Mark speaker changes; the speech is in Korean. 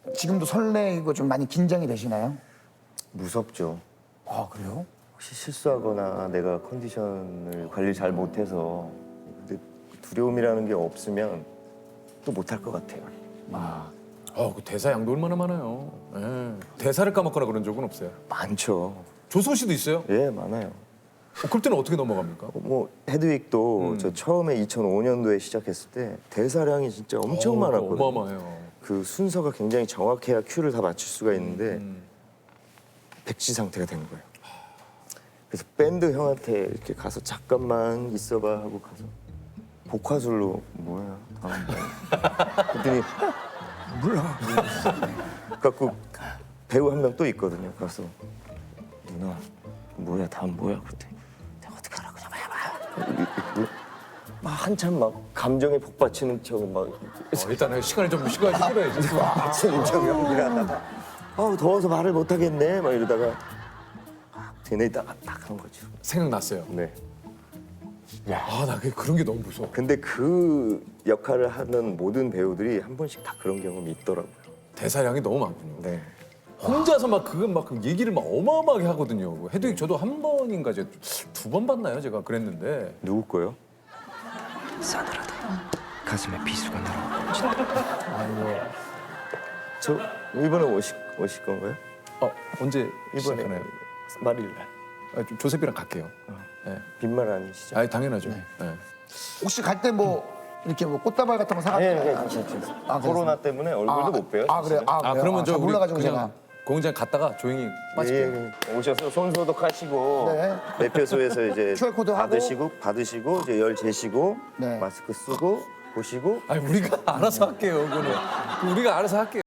Speaker 1: 지금도 설레이고 좀 많이 긴장이 되시나요?
Speaker 2: 무섭죠.
Speaker 1: 아, 그래요?
Speaker 2: 혹시 실수하거나 내가 컨디션을 관리를 잘 못해서 근데 두려움이라는 게 없으면 또 못할 것 같아요.
Speaker 3: 그 대사 양도 얼마나 많아요. 예. 대사를 까먹거나 그런 적은 없어요.
Speaker 2: 많죠.
Speaker 3: 조승우 씨도 있어요?
Speaker 2: 예, 많아요.
Speaker 3: 그럴 때는 어떻게 넘어갑니까?
Speaker 2: 뭐 헤드윅도 저 처음에 2005년도에 시작했을 때 대사량이 진짜 엄청 많았거든요.
Speaker 3: 어마어마해요.
Speaker 2: 그 순서가 굉장히 정확해야 큐를 다 맞출 수가 있는데 백지 상태가 된 거예요. 그래서 밴드 형한테 이렇게 가서 잠깐만 있어봐 하고 가서 복화술로 뭐야 다음 뭐야 그랬더니 몰라. 갖고 배우 한 명 또 있거든요. 가서 누나 뭐야 다음 뭐야 그랬더니 내가 어떻게 하라고 좀 해봐. 막 한참 막 감정에 복받치는 척 막
Speaker 3: 일단은 시간이 좀 끌어야지.
Speaker 2: 받치는 척 연기를 하다가 더워서 말을 못 하겠네 막 이러다가 되뇌다가 딱 한 거죠.
Speaker 3: 생각났어요.
Speaker 2: 네.
Speaker 3: 나 그런 게 너무 무서워.
Speaker 2: 근데 그 역할을 하는 모든 배우들이 한 번씩 다 그런 경험이 있더라고요.
Speaker 3: 대사량이 너무 많군요.
Speaker 2: 네.
Speaker 3: 혼자서 막 그 얘기를 막 어마어마하게 하거든요. 헤드윅 저도 한 번인가 이제 2번 봤나요? 제가 그랬는데.
Speaker 2: 누구 거요?
Speaker 4: 싸늘하다. 가슴에 비수가 날아.
Speaker 2: 저 이번에 오실 건가요?
Speaker 3: 언제
Speaker 2: 이번에
Speaker 3: 시작하나요?
Speaker 2: 말일 날.
Speaker 3: 조셉이랑 갈게요. 네.
Speaker 2: 빈말 아니시죠?
Speaker 3: 당연하죠. 네.
Speaker 1: 혹시 갈 때 뭐 이렇게 뭐 꽃다발 같은 거 사가지고
Speaker 2: 괜찮죠. 코로나 때문에 얼굴도 못 봬요.
Speaker 1: 그래요? 그래요?
Speaker 3: 그러면 저
Speaker 1: 잘
Speaker 3: 우리
Speaker 1: 몰라가지고
Speaker 3: 그냥
Speaker 1: 제가.
Speaker 3: 공장 갔다가 조용히 빠질게요.
Speaker 2: 오셔서 손 소독하시고
Speaker 1: 네.
Speaker 2: 매표소에서 이제
Speaker 1: QR 코드 하고.
Speaker 2: 받으시고 이제 열 재시고
Speaker 1: 네.
Speaker 2: 마스크 쓰고 보시고
Speaker 3: 우리가 알아서 할게요. 그거는 우리가 알아서 할게요.